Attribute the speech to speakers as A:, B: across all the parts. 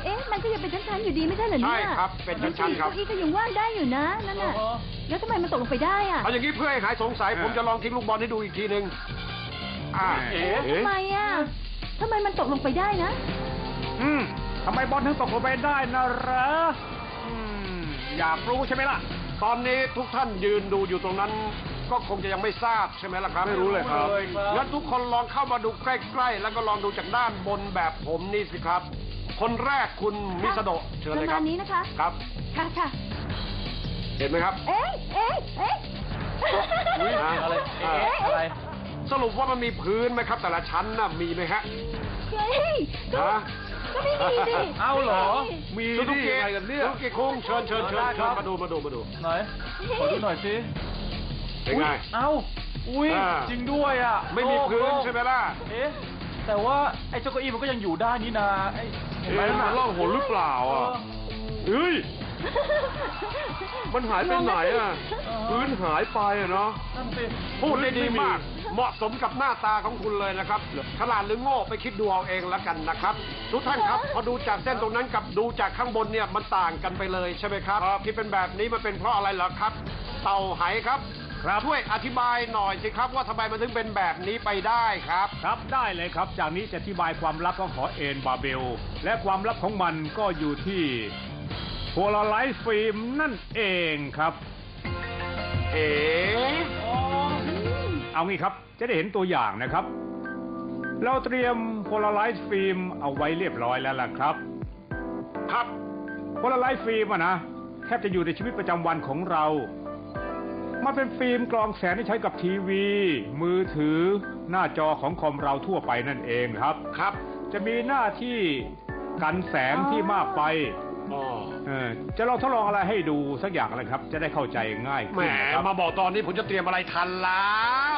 A: เอ๊ะมันก็ยังเป็นชั้นๆอยู่ดีไม่ใช่เหรอเนี่ย
B: ใช่ครับเป็นชั้นๆครับ
A: เก้าอี้ก็ยังว่างได้อยู่นะนั่นน่ะแล้วทำไมมันตกลงไปได้อ่ะ
B: เอาอย่างนี้เพื่อให้หายสงสัยผมจะลองทิ้งลูกบอลให้ดูอีกทีนึง
A: ทำไมอ่ะทำไมมันตกลงไปได้นะ
C: ทำไมบอลถึงตกลงไปได้นะเหรออยากรู้ใช่ไหมล่ะ
B: ตอนนี้ทุกท่านยืนดูอยู่ตรงนั้นก็คงจะยังไม่ทราบใช่ไหมล่ะครับไม่รู้เลยครับงั้นทุกคนลองเข้ามาดูใกล้ๆแล้วก็ลองดูจากด้านบนแบบผมนี่สิครับคนแรกคุณมิสโดะเชิญเลยครับ
A: นี้นะคะ
B: ครับ
A: ค่ะ
B: เห็นไหมครับ
A: เอ๊ะ
B: อะไรสรุปว่ามันมีพื้นไหมครับแต่ละชั้นน่ะมีไหมฮะ
A: ก็ไม่มีดิ
C: เอาเหรอมี
B: ดิอะไรกันเนี่ยทุกคงเชิญมาดูห
C: น่อยขอดูหน่อยสิ
B: เป็นไง
C: อุ้ยจริงด้วยอ่ะ
B: ไม่มีพื้นใช่ไหมล่ะ
C: แต่ว่าไอ้เจ้าเก้าอี้มันก็ยังอยู่ได้นี่นา
B: เห็นไหมมันล่องหนหรือเปล่าอ่ะเฮ้ยมันหายไปไหนอ่ะพื้นหายไปอ่ะเนาะพูดได้ดีมากเหมาะสมกับหน้าตาของคุณเลยนะครับฉลาดหรือโง่ไปคิดดูเอาเองแล้วกันนะครับทุกท่านครับพอดูจากเส้นตรงนั้นกับดูจากข้างบนเนี่ยมันต่างกันไปเลยใช่ไหมครับที่เป็นแบบนี้มันเป็นเพราะอะไรเหรอครับเต่าไหครับช่วยอธิบายหน่อยสิครับว่าทำไมมันถึงเป็นแบบนี้ไปได้ครับ
C: ครับได้เลยครับจากนี้จะอธิบายความลับของหอเอ็นบาเบลและความลับของมันก็อยู่ที่โพลาไรซ์ฟิล์มนั่นเองครับเอางี้ครับจะได้เห็นตัวอย่างนะครับเราเตรียมโพลาไรซ์ฟิล์มเอาไว้เรียบร้อยแล้วล่ะครับโพลาไรซ์ฟิล์มนะแทบจะอยู่ในชีวิตประจำวันของเรามันเป็นฟิล์มกรองแสงที่ใช้กับทีวีมือถือหน้าจอของคอมเราทั่วไปนั่นเองครับจะมีหน้าที่กันแสงที่มากไปจะลองทดลองอะไรให้ดูสักอย่างอะไรครับจะได้เข้าใจง่าย
B: แหมมาบอกตอนนี้ผมจะเตรียมอะไรทันแล้ว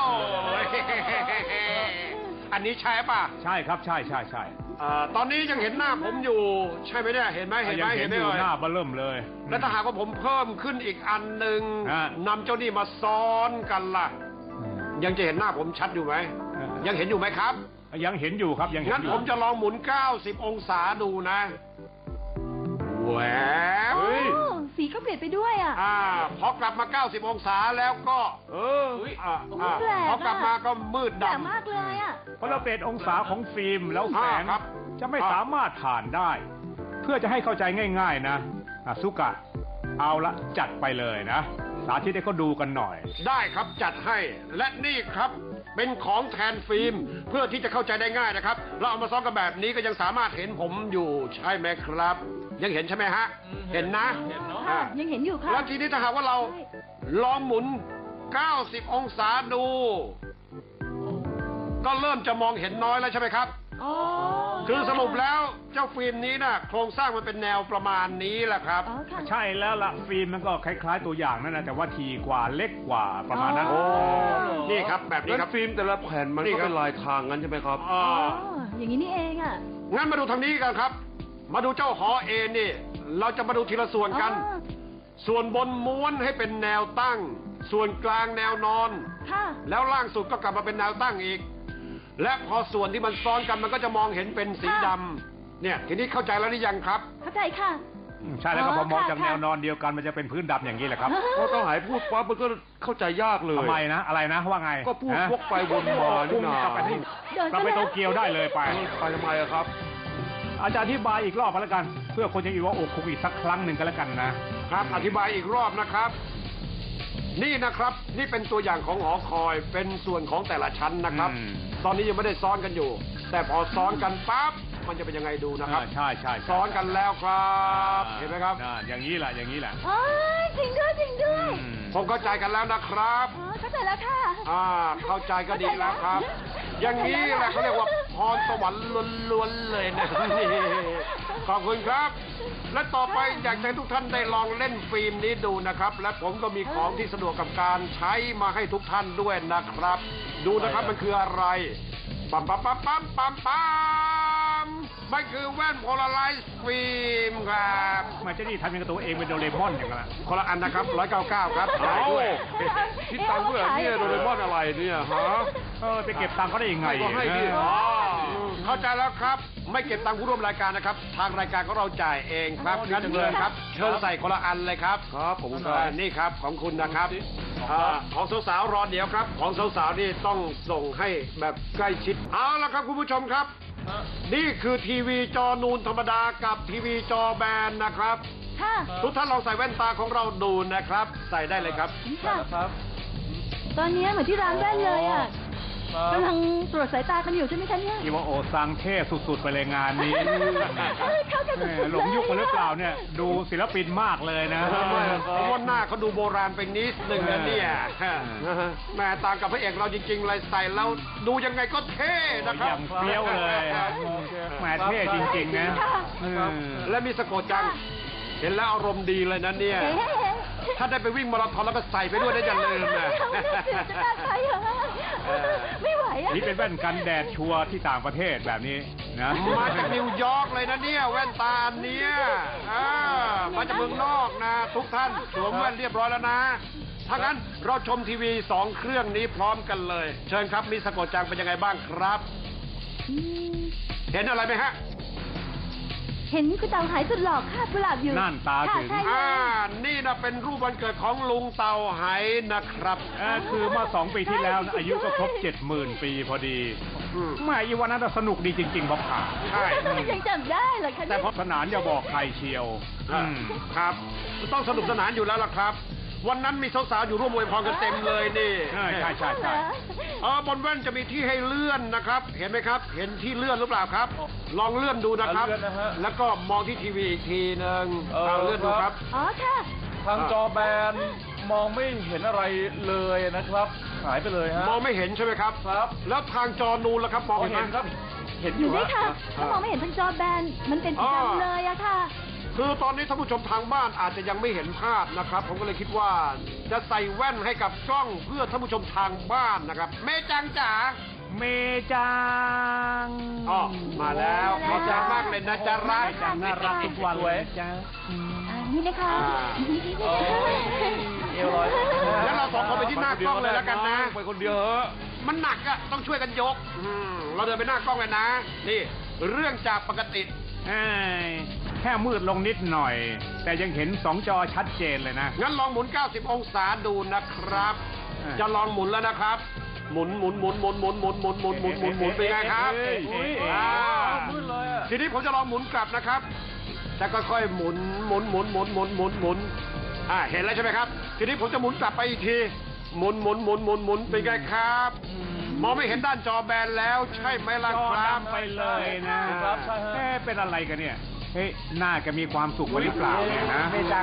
B: อันนี้ใช่ป่ะ
C: ใช่ครับใช่
B: ตอนนี้ยังเห็นหน้าผมอยู่ใช่ไหมเนี่ยเห็นไหม
C: อยู่หน้าเบิ่มเลย
B: แล้วถ้าหากว่าผมเพิ่มขึ้นอีกอันหนึ่งนำเจ้านี่มาซ้อนกันล่ะยังจะเห็นหน้าผมชัดอยู่ไหมยังเห็นอยู่ไหมครับ
C: ยังเห็นอยู่ครับยังเห็นอยู่
B: งั้นผมจะลองหมุน90องศาดูนะแหว
A: สีก็เปลี่ยนไปด้วย
B: พอกลับมา90องศาแล้วก็พอกลับมาก็มืดดำ
A: มากเลย
C: เพราะเราเปลี่ยนองศาของฟิล์มแล้วแสงจะไม่สามารถผ่านได้เพื่อจะให้เข้าใจง่ายๆนะซุกะเอาละจัดไปเลยนะสาธิตให้เขาดูกันหน่อย
B: ได้ครับจัดให้และนี่ครับเป็นของแทนฟิล์มเพื่อที่จะเข้าใจได้ง่ายนะครับเราเอามาซ้อมกันแบบนี้ก็ยังสามารถเห็นผมอยู่ใช่ไหมครับยังเห็นใช่ไหมฮะเห็นนะ
A: ยังเห็นอยู่ครับ
B: แล้วทีนี้ถ้าหากว่าเราลองหมุน90องศาดูก็เริ่มจะมองเห็นน้อยแล้วใช่ไหมครับคือสรุปแล้วเจ้าฟิล์มนี้นะโครงสร้างมันเป็นแนวประมาณนี้แหละครับ
C: ใช่แล้วล่ะฟิล์มมันก็คล้ายๆตัวอย่างนั่นนะแต่ว่าทีกว่าเล็กกว่าประมาณนั้น
B: นี่ครับแบบนี้ครับ
D: ฟิล์มแต่ละแผ่นมันก็เป็นลายทางงั้นใช่ไหมครับ
A: อย่างนี้นี่เอง
B: งั้นมาดูทางนี้กันครับมาดูเจ้าหอเอนี่เราจะมาดูทีละส่วนกันส่วนบนม้วนให้เป็นแนวตั้งส่วนกลางแนวนอนแล้วล่างสุดก็กลับมาเป็นแนวตั้งอีกและพอส่วนที่มันซ้อนกันมันก็จะมองเห็นเป็นสีดำเนี่ยทีนี้เข้าใจแล้วหรือยังครับ
A: เข้าใจค่ะ
C: ใช่แล้วก็พอมองจากแนวนอนเดียวกันมันจะเป็นพื้นดำอย่างนี้แหละครับ
D: พอต้องหายพูดปั๊บมันก็เข้าใจยากเลย
C: ทำไมนะอะไรนะว่าไง
D: ก็พูดวกไปวนมานี่นาก
C: ลับไปโตเกียวได้เลยไป
D: ทำไมครับ
C: อาจารย์อธิบายอีกรอบก็แล้วกันเพื่อคนจะอีกว่าโอ้คุกอีกสักครั้งหนึ่งก็แล้วกัน
B: นะครับอธิบายอีกรอบนะครับนี่นะครับนี่เป็นตัวอย่างของหอคอยเป็นส่วนของแต่ละชั้นนะครับตอนนี้ยังไม่ได้ซ้อนกันอยู่แต่พอซ้อนกันปั๊บมันจะเป็นยังไงดูนะครับ
C: ใช่
B: ซ้อนกันแล้วครับเห็นไหมครับ
C: อย่างนี้แหละ
A: จริงด้วย
B: ผมเข้าใจกันแล้วนะครับ
A: เข้าใจแล้วค่ะ
B: เข้าใจก็ดีแล้วครับอย่างนี้แหละเขาเรียกว่าพรสวรรค์ล้วนๆเลยนะขอบคุณครับและต่อไปอยากให้ทุกท่านได้ลองเล่นฟิล์มนี้ดูนะครับและผมก็มีของที่สะดวกกับการใช้มาให้ทุกท่านด้วยนะครับดูนะครับมันคืออะไรปั๊มมันคือแว่นโพลาไรซ์ฟิล์มครับ
C: มันจะนี่ทำยังกับตัวเองเป็นโดเรมอนอย่างนั้น
B: คนละอันนะครับ199ครับ
D: คิดตังค์ด้วยเนี่ยโดเรมอนอะไรเนี่ยฮะ
C: ไปเก็บตังค์เขาได้ยังไง
D: ก็ให้ดิ
B: เข้าใจแล้วครับ ไม่เก็บตังค์ผู้ร่วมรายการนะครับ ทางรายการของเราจ่ายเองครับงั้นเชิญครับ เชิญใส่คนละอันเลยครับ
D: ครับผมครับ
B: นี่ครับของคุณนะครับของสาวๆรอเดี๋ยวครับ ของสาวๆนี่ต้องส่งให้แบบใกล้ชิดเอาละครับคุณผู้ชมครับ นี่คือทีวีจอนูนธรรมดากับทีวีจอแบนนะครับ
A: ค่ะ
B: ทุกท่านลองใส่แว่นตาของเราดูนะครับ ใส่ได้เลยครับ
A: ค่ะตอนนี้เหมือนที่ร้านแว่นเลยอ่ะกำลังตรวจสายตากันอยู่ใช่ไหมคะเนี่ย
C: อิวาโอะซังเท่สุดๆไปเลยงานนี้
A: เข้ากัน
C: แห
A: สุ
C: ม่
A: ดๆ
C: หลงยุคไปหรือเปล่าเนี่ย ดูศิลปินมากเลยนะ
B: เพราะว่าหน้าเขาดูโบราณไปนิดหนึ่งนะเนี่ยแหม่ต่างกับพระเอกเราจริงๆเลยใส่แล้วดูยังไงก็เท่นะค
C: อ
B: รับ
C: ย่างเฟี้ยวเลยแหมเท่จริงๆนะเออ
B: และมีสะกดจัง เห็นแล้วอารมณ์ดีเลยนะเนี่ย ถ้าได้ไปวิ่งมาราธอนแล้วก็ใส่ไปด้วยนะอย่าลืมนะ
A: จะได้ไปเหรอไม่ไหวอ่ะ
C: นี่เป็นแว่นกันแดดชัวร์ที่ต่างประเทศแบบนี้นะ
B: มาจากนิวยอร์กเลยนะเนี่ยแว่นตาอันเนี้ยมาจากเมืองนอกนะ ทุกท่านสวมแว่นเรียบร้อยแล้วนะ ถ้างั้นเราชมทีวี2 เครื่องนี้พร้อมกันเลย เชิญครับมิสโกะจังเป็นยังไงบ้างครับ เห็นอะไรไหมฮะ
A: เห็นคุณเต่าหายสุดหล่อคาบกุหลาบอยู่
C: นั่นตาถึง
A: ค่ะใช่เลย
B: นี่นะเป็นรูปวันเกิดของลุงเต่าไหนะครับ
C: คือเมื่อ2 ปีที่แล้วนะอายุก็ครบ 70,000 ปีพอดีแม่อีวันนั้นสนุกดีจริงๆบอกผ่า
B: ใช่
A: ยังจำได้เหรอคะ
C: แต่พอสนานอย่าบอกใครเชียวอืม
B: ครับ ต้องสนุกสนานอยู่แล้วล่ะครับ วันนั้นมีสาวๆอยู่ร่วมอวยพรกันเต็มเลยนี่
C: ใช่ใช่
B: บนแว่นจะมีที่ให้เลื่อนนะครับ เห็นไหมครับ เห็นที่เลื่อนหรือเปล่าครับ ลองเลื่อนดูนะครับ
D: เลื่อนนะฮะ
B: แล้วก็มองที่ทีวีอีกทีหนึงเอาเลื่อนดูครับ
A: อ๋อค่ะ
D: ทางจอแบนมองไม่เห็นอะไรเลยนะครับ หายไปเลยฮะ
B: มองไม่เห็นใช่ไหมครับ
D: ครับ
B: แล้วทางจอนูนล่ะครับ มองเห็นไหม
D: ครับ เห็นอ
A: อยู่
D: ยู่
A: นี่
D: ฮะ
A: ค่ะถ้ามองไม่เห็นทั้งจอแบนมันเป็นสีดำเลยอะค่ะ
B: คือตอนนี้ท่านผู้ชมทางบ้านอาจจะยังไม่เห็นภาพนะครับ ผมก็เลยคิดว่าจะใส่แว่นให้กับกล้องเพื่อท่านผู้ชมทางบ้านนะครับ เมจังจ๋า
C: เมจัง
B: อ๋อมาแล้วขอบใจมากเลยนะจ๊ะรัก
C: จังน่ารักทุกวันเลยจ้า
A: นี่นะคะ
D: เอวลอย
B: แล้วเราสองคนไปที่หน้ากล้องเลยแล้วกันนะ
D: ไปคนเดียวเหอะ
B: มันหนักอะต้องช่วยกันยกเราเดินไปหน้ากล้องเลยนะ นี่ เรื่องจากปกติ
C: แค่มืดลงนิดหน่อย แต่ยังเห็น2 จอชัดเจนเลยนะ
B: งั้นลองหมุน 90 องศาดูนะครับ
C: อ่า
B: จะลองหมุนแล้วนะครับ หมุนเป็นไงครับ อ่า
D: มืดเลยอะ
B: ทีนี้ผมจะลองหมุนกลับนะครับ จะค่อยๆหมุนเห็นแล้วใช่ไหมครับ ทีนี้ผมจะหมุนกลับไปอีกที หมุนเป็นไงครับ มองไม่เห็นด้านจอแบนแล้วใช่ไหมล่ะ
C: จอ
B: ครับ
C: ดำไปเลยนะครับเป็นอะไรกันเนี่ย เฮ้ยน่าจะมีความสุขกว่าหรือเปล่าเนี่ยนะ
B: เมจัง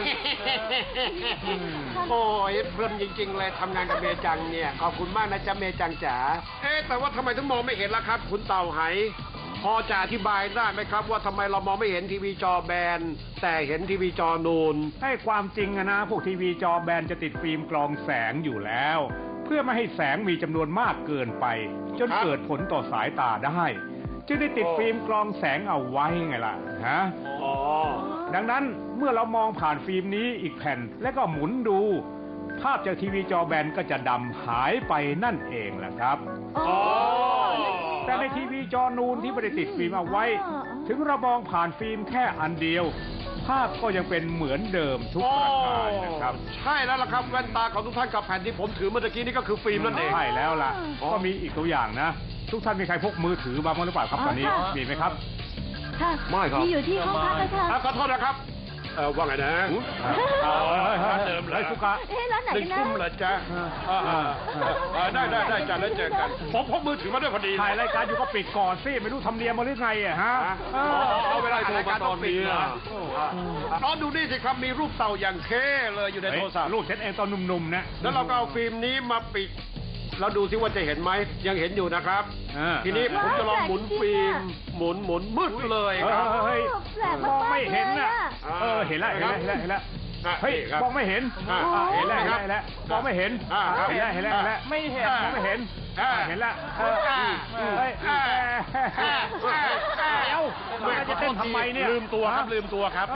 B: โอ้ยเพลินจริงๆเลยทำงานกับเมจังเนี่ยขอบคุณมากนะจ๊ะเมจังจ๋าแต่ว่าทำไมถึงมองไม่เห็นล่ะครับ คุณเต่าไหพอจะอธิบายได้ไหมครับ ว่าทำไมเรามองไม่เห็นทีวีจอแบนแต่เห็นทีวีจอนูน
C: ให้ความจริงนะพวกทีวีจอแบนจะติดฟิล์มกรองแสงอยู่แล้ว เพื่อไม่ให้แสงมีจำนวนมากเกินไป จน
B: ครับ
C: เกิดผลต่อสายตาได้ จึงได้ติดฟิล์มกรองแสงเอาไว้ไงล่ะฮะ
B: อ๋อ
C: ดังนั้นเมื่อเรามองผ่านฟิล์มนี้อีกแผ่นแล้วก็หมุนดู ภาพจากทีวีจอแบนก็จะดำหายไปนั่นเองแหละครับ แต่ในทีวีจอนูนที่ไม่ได้ติดฟิล์มเอาไว้ ถึงเรามองผ่านฟิล์มแค่อันเดียว ภาพก็ยังเป็นเหมือนเดิมทุกประการนะครับ
B: ใช่แล้วล่ะครับแว่นตาของทุกท่านกับแผ่นที่ผมถือเมื่อตะกี้นี่ก็คือฟิล์มนั่นเอง
C: ใช่แล้วล่ะ
B: อ๋อ
C: ก็มีอีกตัวอย่างนะ ทุกท่านมีใครพกมือถือมาบ้างหรือเปล่าครับตอนนี้ มีไหมครับ
A: ค่ะ
D: ไม่ครับ
A: มีอยู่ที่ห้องพักนะคะ
B: ขอโทษนะครับว่าไงนะ
C: เดิมเลยสุกะ
A: เอ๊ะร้านไหน
B: หนึ่ง
A: กันนะ
B: ทุ่มเหรอจ๊ะได้จ้ะแล้วเจอกัน ผมพกมือถือมาด้วยพอดี
C: ถ่ายรายการอยู่ก็ปิดก่อนสิไม่รู้ทำเนียมมาหรือไงอะฮะ
B: เอาเวลาโทรมาตอนนี้
D: อ่ะ
B: น้องดูนี่สิครับมีรูปเต่าอย่างเท่เลยอยู่ในโทรศัพท์
C: ลูกฉันเองตอนหนุ่มๆนะ
B: แล้วเราก็เอาฟิล์มนี้มาปิดเราดูซิว่าจะเห็นไหมยังเห็นอยู่นะครับ ทีนี้ผมจะลองหมุนฟิล์มหมุนมืดเลยครับ
C: เฮ้ย
A: แปลก
C: มองไม่เห็น
A: เล
C: น่ะ
A: ยอะ
C: เห็นแล้วเห็นแล้ว เฮ้ย
B: ครับ
C: มองไม่เห็น เห็นแล้วมองไม่เห็น เห็นแล้วไม่เห็นมองไม่เห็น เห็นแล้วเฮ้ยเดี๋ยวมันจะเต้นทำไมเนี่ย
B: ลืมตัวครับ